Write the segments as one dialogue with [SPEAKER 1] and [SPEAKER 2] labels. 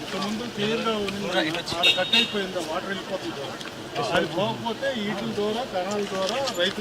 [SPEAKER 1] ముందు క్లియర్గా కట్ అయిపోయింది, వాటర్ వెళ్ళిపోతుంది. అది పోకపోతే వీటి ద్వారా కణాల ద్వారా రైతులు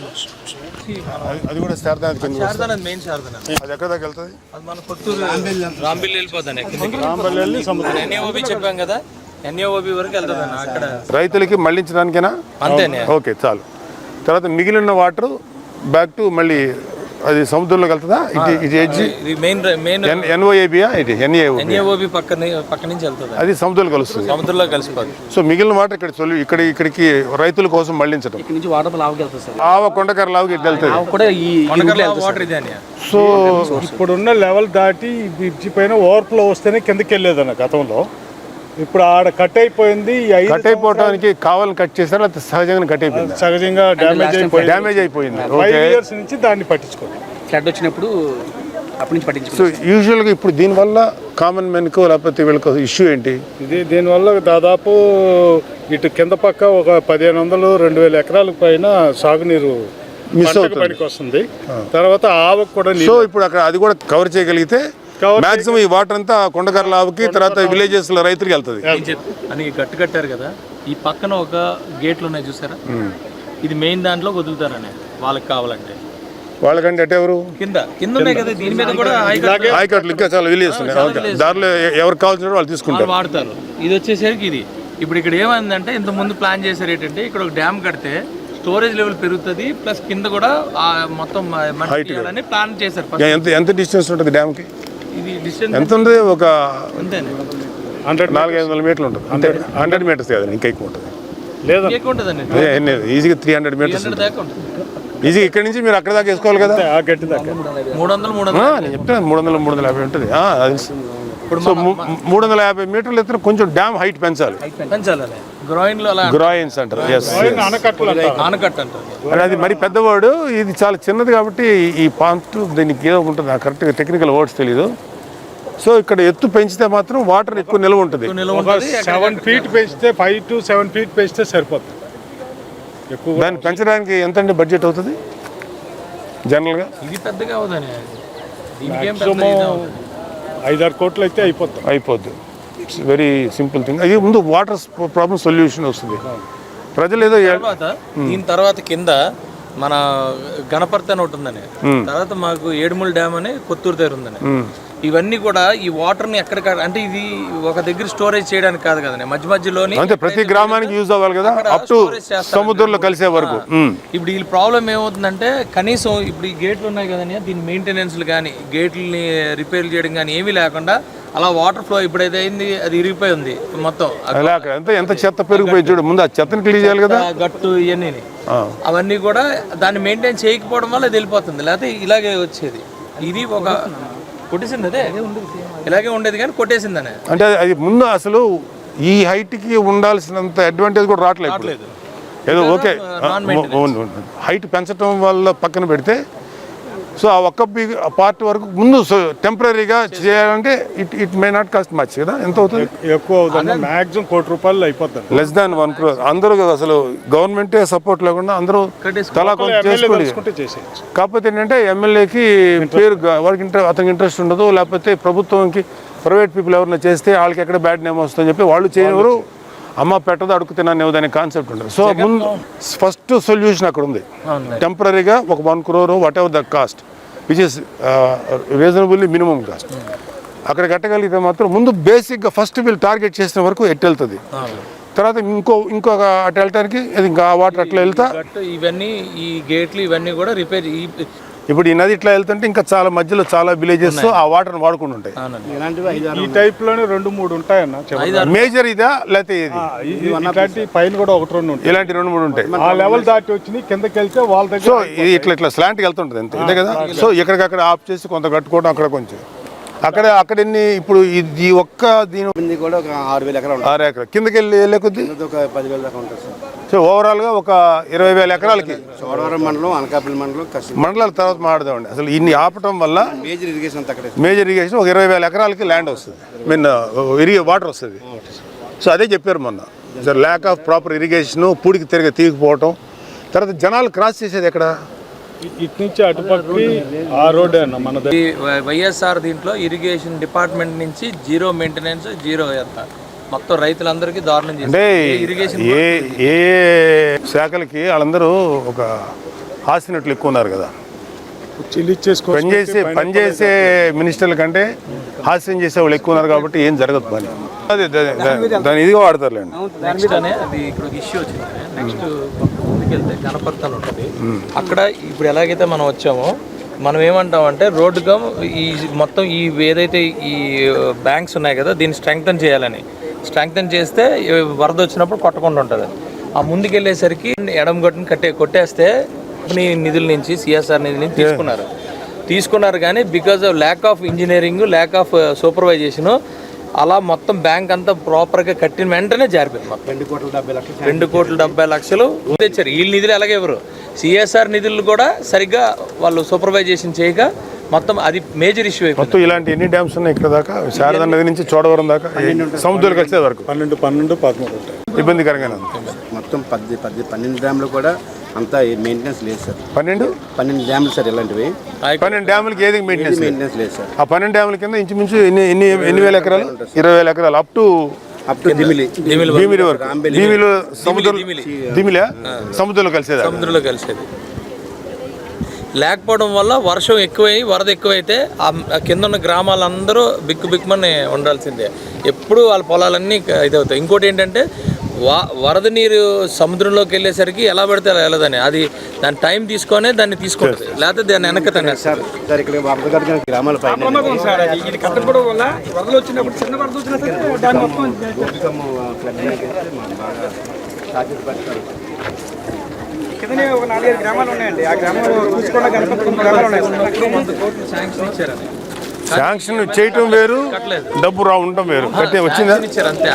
[SPEAKER 2] అది కూడా శారదా
[SPEAKER 3] మెయిన్ శారదా
[SPEAKER 2] అది ఎక్కడ దాకా వెళ్తుంది?
[SPEAKER 3] అది మన కొత్తూరు రాంబిల్ వెళ్ళిపోతాను
[SPEAKER 1] రాంబల్లి సముద్రం
[SPEAKER 3] ఎన్ఏఓబి చెప్పాం కదా, ఎన్ఏఓబి వరకు వెళ్తుంది అక్కడ
[SPEAKER 2] రైతులకి మళ్ళించడానికేనా?
[SPEAKER 3] అంతేనే.
[SPEAKER 2] ఓకే చాలు. తర్వాత మిగిలిన వాటర్ బ్యాక్ టు మళ్ళీ అది సముద్రంలోకి వెళ్తుందా? ఇది ఎడ్జి
[SPEAKER 3] మెయిన్
[SPEAKER 2] ఎన్ఓఏబియా ఇది
[SPEAKER 3] ఎన్ఏఓబి పక్క నుంచి వెళ్తుంది,
[SPEAKER 2] అది సముద్రంలో కలుస్తుంది.
[SPEAKER 3] సముద్రంలో కలిసిపోతుంది.
[SPEAKER 2] సో మిగిలిన వాటర్ ఇక్కడ ఇక్కడికి రైతుల కోసం మళ్ళించడం.
[SPEAKER 4] ఇక్కడ నుంచి వాటర్ లావుకి వెళ్తుంది సార్.
[SPEAKER 2] ఆవ కొండకర లావుకి వెళ్తుంది
[SPEAKER 4] కూడా ఈ
[SPEAKER 3] వాటర్ ఇదే.
[SPEAKER 1] సో ఇప్పుడున్న లెవెల్ దాటి బ్రిడ్జి పైన ఓవర్ఫ్లో వస్తేనే కిందకి వెళ్ళేదన్న గతంలో. ఇప్పుడు ఆడ కట్ అయిపోయింది.
[SPEAKER 2] కట్ అయిపోవడానికి కావాలని కట్ చేశారు, లేకపోతే సహజంగా కట్ అయిపోయింది?
[SPEAKER 1] సహజంగా
[SPEAKER 2] డ్యామేజ్ అయిపోయింది.
[SPEAKER 1] 5 years నుంచి దాన్ని పట్టించుకోండి.
[SPEAKER 4] ఫ్లడ్ వచ్చినప్పుడు అప్పటి నుంచి పట్టించుకో.
[SPEAKER 2] సో యూజువల్గా ఇప్పుడు దీనివల్ల కామన్ మెన్కో లేకపోతే వీళ్ళకి ఇష్యూ ఏంటి?
[SPEAKER 1] దీనివల్ల దాదాపు ఇటు కింద పక్క ఒక 1500-2000 ఎకరాల పైన సాగునీరు
[SPEAKER 2] మిస్ అవుతుంది,
[SPEAKER 1] పనికి వస్తుంది. తర్వాత ఆవకు కూడా.
[SPEAKER 2] సో ఇప్పుడు అక్కడ అది కూడా కవర్ చేయగలిగితే మాక్సిమం ఈ వాటర్ అంతా కొండకర్ల ఆవుకి, తర్వాత విలేజెస్ లో రైతులకి వెళ్తుంది.
[SPEAKER 3] అని గట్టు కట్టారు కదా, ఈ పక్కన ఒక గేట్లు ఉన్నాయి చూసారా, ఇది మెయిన్ దాంట్లో వదులుతారని వాళ్ళకి కావాలంటే.
[SPEAKER 2] వాళ్ళకంటే అంటే ఎవరు?
[SPEAKER 3] కింద ఉన్నాయి కదా, దీని మీద కూడా
[SPEAKER 2] ఆయకట్లు ఇంకా చాలా విలేజెస్ ఉన్నాయి. దారిలో ఎవరికి కావాల్సిన వాళ్ళు తీసుకుంటారు,
[SPEAKER 3] వాడతారు. ఇది వచ్చేసరికి ఇది ఇప్పుడు ఇక్కడ ఏమైందంటే, ఇంత ముందు ప్లాన్ చేశారు ఏంటంటే, ఇక్కడ ఒక డ్యామ్ కడితే స్టోరేజ్ లెవెల్ పెరుగుతుంది, ప్లస్ కింద కూడా మొత్తం ప్లాన్ చేశారు.
[SPEAKER 2] ఎంత డిస్టెన్స్ ఉంటుంది డ్యామ్ కి?
[SPEAKER 3] ఇది డిస్టెన్స్
[SPEAKER 2] ఎంత ఉంది? ఒక
[SPEAKER 3] అంతేనే
[SPEAKER 2] 400-500 మీటర్లు ఉంటుంది అంతే. 100 మీటర్స్ కాదు, ఇంకా ఎక్కువ ఉంటుంది.
[SPEAKER 1] లేదా
[SPEAKER 2] ఈజీగా 300 మీటర్స్ ఈజీ. ఇక్కడ నుంచి మీరు అక్కడ దాకా వేసుకోవాలి కదా,
[SPEAKER 1] ఆ గట్టి దాకా
[SPEAKER 3] 300
[SPEAKER 2] నేను చెప్తాను. 300-350 ఉంటుంది. సో 350 మీటర్లు ఎత్తున కొంచెం డ్యామ్ హైట్ పెంచాలి. గ్రాయిన్స్ అంటారు.
[SPEAKER 3] ఆనకట్ట అంటారు.
[SPEAKER 2] అది మరి పెద్దవాడు, ఇది చాలా చిన్నది కాబట్టి ఈ పాంట్ దీనికి ఏదో ఉంటుంది, నాకు కరెక్ట్గా టెక్నికల్ వర్డ్స్ తెలీదు. సో ఇక్కడ ఎత్తు పెంచితే మాత్రం వాటర్ ఎక్కువ నిల్వ ఉంటుంది.
[SPEAKER 1] 7 feet పెంచితే 5 to 7 feet పెంచితే సరిపోతుంది. ఎక్కువ
[SPEAKER 2] దాన్ని పెంచడానికి ఎంత అండి బడ్జెట్ అవుతుంది జనరల్గా?
[SPEAKER 3] ఇది పెద్దగా అవుతుంది,
[SPEAKER 1] 5-6 కోట్లు అయితే
[SPEAKER 2] అయిపోద్ది. It's very simple thing. అది ముందు వాటర్ ప్రాబ్లమ్ సొల్యూషన్ వస్తుంది. ప్రజలు ఏదో
[SPEAKER 3] దీని తర్వాత కింద మన గణపర్తి అని ఒకటి ఉందని, తర్వాత మాకు ఏడుమూల డ్యామ్ అని కొత్తూరు దగ్గర ఉందని. ఇవన్నీ కూడా ఈ వాటర్ ని ఎక్కడికక్కడ, అంటే ఇది ఒక దగ్గర స్టోరేజ్ చేయడానికి కాదు కదా, మధ్య మధ్యలోని
[SPEAKER 2] అంటే ప్రతి గ్రామానికి యూజ్ అవ్వాలి కదా, అప్ టు సముద్రంలో కలిసే వరకు.
[SPEAKER 3] ఇప్పుడు ఈ ప్రాబ్లం ఏమవుతుందంటే, కనీసం ఇప్పుడు ఈ గేట్లు ఉన్నాయి కదండి, దీని మెయింటెనెన్స్లు కానీ గేట్లని రిపేర్ చేయడం కానీ ఏమీ లేకుండా అలా వాటర్ ఫ్లో ఇప్పుడైతే అయింది, అది ఇరిగిపోయి ఉంది మొత్తం.
[SPEAKER 2] ఎంత చెత్త పెరిగిపోయి చూడు, ముందు ఆ చెత్తని క్లీన్ చేయాలి కదా,
[SPEAKER 3] గట్టు ఇవన్నీ అవన్నీ కూడా దాన్ని మెయింటైన్ చేయకపోవడం వల్ల అది వెళ్ళిపోతుంది, లేకపోతే ఇలాగే వచ్చేది. ఇది ఒక కొట్టేసింది, అదే ఇలాగే ఉండేది కానీ కొట్టేసిందనే.
[SPEAKER 2] అంటే అది ముందు అసలు ఈ హైట్కి ఉండాల్సినంత అడ్వాంటేజ్ కూడా రావట్లేదు. ఏదో ఓకే హైట్ పెంచడం వల్ల పక్కన పెడితే, సో ఆ ఒక్క పార్ట్ వరకు ముందు టెంపరీగా చేయాలంటే it may not cost much కదా. ఎంత అవుతుంది?
[SPEAKER 1] ఎక్కువ అవుతుంది, మాక్సిమం ₹1,00,00,000 అయిపోతుంది.
[SPEAKER 2] Less than 1 crore. అందరూ అసలు గవర్నమెంటే సపోర్ట్ లేకుండా అందరూ తలా కొంచెం చేసుకుంటే. కాకపోతే ఏంటంటే ఎమ్మెల్యేకి పేరు, వాడికి అతనికి ఇంట్రెస్ట్ ఉండదు, లేకపోతే ప్రభుత్వంకి ప్రైవేట్ పీపుల్ ఎవరైనా చేస్తే వాళ్ళకి ఎక్కడ బ్యాడ్ నేమ్ వస్తుందని చెప్పి వాళ్ళు చేయరు. అమ్మ పెట్టదు, అడుగు తిన్నాను అనే కాన్సెప్ట్ ఉంటుంది. సో ముందు ఫస్ట్ సొల్యూషన్ అక్కడ ఉంది. టెంపరీగా ఒక 1 crore whatever the cost, which is reasonably minimum cost, అక్కడ కట్టగలిగితే మాత్రం ముందు బేసిక్గా ఫస్ట్ వీళ్ళు టార్గెట్ చేసిన వరకు ఎట్టు వెళ్తుంది. తర్వాత ఇంకొక అటు వెళ్ళటానికి ఇంకా వాటర్ అట్లా వెళ్తా
[SPEAKER 3] ఇవన్నీ ఈ గేట్లు ఇవన్నీ కూడా రిపేర్.
[SPEAKER 2] ఇప్పుడు ఈ నది ఇట్లా వెళ్తుంటే ఇంకా చాలా మధ్యలో చాలా విలేజెస్ ఆ వాటర్ వాడుకుంటూ ఉంటాయి.
[SPEAKER 1] ఈ టైప్ లోనే 2-3 ఉంటాయన్న.
[SPEAKER 2] మేజర్ ఇదా లేకపోతే
[SPEAKER 1] ఇలాంటి పైన కూడా 1-2 ఉంటాయి,
[SPEAKER 2] ఇలాంటి 2-3 ఉంటాయి.
[SPEAKER 1] ఆ లెవెల్ దాటి వచ్చి కిందకి వెళ్తే వాళ్ళ దగ్గర.
[SPEAKER 2] సో ఇది ఇట్లా స్లాంట్కి వెళ్తుంటుంది అంతే కదా. సో ఎక్కడికక్కడ ఆఫ్ చేసి కొంత కట్టుకోవడం, అక్కడ కొంచెం అక్కడ ఎన్ని ఇప్పుడు ఈ ఒక్క దీని
[SPEAKER 4] కూడా ఒక 6,000 ఎకరాలు,
[SPEAKER 2] 6 ఎకరాలు కిందకి వెళ్ళే కొద్ది
[SPEAKER 4] ఒక 10,000 దాకా ఉంటుంది సార్.
[SPEAKER 2] సో ఓవరాల్గా ఒక 20,000 ఎకరాలకి
[SPEAKER 4] చోడవరం మండలం, అనకాపల్లి మండలం,
[SPEAKER 2] మండలాల తర్వాత మాట్లాడదామండి. అసలు ఇన్ని ఆపటం వల్ల
[SPEAKER 4] మేజర్ ఇరిగేషన్
[SPEAKER 2] ఒక 20,000 ఎకరాలకి ల్యాండ్ వస్తుంది, వాటర్ వస్తుంది. సో అదే చెప్పారు మొన్న, sir lack of proper irrigation, పూడికి తిరిగి తీయకపోవటం. తర్వాత జనాలు క్రాస్ చేసేది ఎక్కడ?
[SPEAKER 1] ఇటు నుంచి అటుపక్కకి ఆ రోడ్డే అన్న మన దగ్గర.
[SPEAKER 3] ఈ వైఎస్ఆర్ దీంట్లో ఇరిగేషన్ డిపార్ట్మెంట్ నుంచి జీరో మెయింటెనెన్స్, జీరో ఎంత మొత్తం రైతులందరికీ దారుణం
[SPEAKER 2] అంటే
[SPEAKER 3] చేస్తారు. ఇరిగేషన్
[SPEAKER 2] ఏ ఏ శాఖలకి వాళ్ళందరూ ఒక హాస్యనట్లు ఎక్కువ ఉన్నారు కదా. పనిచేసే మినిస్టర్ల కంటే హాస్యం చేసే వాళ్ళు ఎక్కువ ఉన్నారు కాబట్టి ఏం జరగదు పని. అదే దాని ఇదిగా వాడతారులేండి.
[SPEAKER 3] నెక్స్ట్ అనే అది ఇక్కడ ఒక ఇష్యూ వచ్చింది. నెక్స్ట్ ముందుకెళ్తే గణపర్తి అని ఉంటుంది. అక్కడ ఇప్పుడు ఎలాగైతే మనం వచ్చామో మనం ఏమంటామంటే రోడ్డుగా ఈ మొత్తం ఈ ఏదైతే ఈ బ్యాంక్స్ ఉన్నాయి కదా దీన్ని స్ట్రెంగ్తన్ చేయాలని. స్ట్రెంగ్తన్ చేస్తే వరద వచ్చినప్పుడు కొట్టకుండా ఉంటుంది. ఆ ముందుకెళ్ళేసరికి ఎడమ గొట్టుని కొట్టేస్తే నిధుల నుంచి సిఎస్ఆర్ నిధుల నుంచి తీసుకున్నారు కానీ because of lack of engineering, lack of supervision అలా మొత్తం బ్యాంక్ అంతా ప్రాపర్గా కట్టిన వెంటనే జారిపోయింది. మొత్తం 2,70,00,000 తెచ్చారు. వీళ్ళ నిధులు ఎలాగే ఎవరు సిఎస్ఆర్ నిధులు కూడా సరిగ్గా వాళ్ళు సూపర్వైజేషన్ చేయక మొత్తం అది మేజర్ ఇష్యూ అయిపోయింది.
[SPEAKER 2] మొత్తం ఇలాంటి ఎన్ని డ్యామ్స్ ఉన్నాయి ఇక్కడ దాకా? శారదా నది నుంచి చోడవరం దాకా సముద్రాలు కలిసే వరకు
[SPEAKER 1] 12, 13 ఉంటాయి.
[SPEAKER 2] ఇబ్బందికరంగానే ఉంది.
[SPEAKER 4] మొత్తం 12 డ్యామ్లు కూడా అంతా మెయింటెనెన్స్ లేదు సార్.
[SPEAKER 2] 12
[SPEAKER 4] డ్యామ్లు సార్ ఇలాంటివి.
[SPEAKER 2] 12 డ్యాములకి ఏది మెయింటెనెన్స్
[SPEAKER 4] లేదు సార్.
[SPEAKER 2] ఆ 12 డ్యాముల కింద ఇంచుమించు ఎన్ని వేల ఎకరాలు? 20,000 ఎకరాలు అప్ టు భీమిలి వరకు. భీమిలో దిమిలా సముద్రంలో కలిసేది.
[SPEAKER 3] లేకపోవడం వల్ల వర్షం ఎక్కువై వరద ఎక్కువైతే ఆ కింద ఉన్న గ్రామాలందరూ బిక్కుమని ఉండాల్సిందే. ఎప్పుడు వాళ్ళ పొలాలన్నీ ఇదవుతాయి. ఇంకోటి ఏంటంటే వరద నీరు సముద్రంలోకి వెళ్ళేసరికి ఎలా పడితే అలా వెళ్ళదని అది దాని టైం తీసుకొనే దాన్ని తీసుకుంటుంది. లేకపోతే దాన్ని వెనక
[SPEAKER 4] సార్ ఇక్కడ వరద గ్రామాల పైన
[SPEAKER 5] కిందనే ఒక 4-5 గ్రామాలు ఉన్నాయండి. ఆ గ్రామంలో చూసుకోవడం గణపతి గ్రామాలు ఉన్నాయి.
[SPEAKER 2] శాంక్షన్ చేయటం వేరు, డబ్బు ఉండటం వేరు. వచ్చిందా?
[SPEAKER 3] అంతే.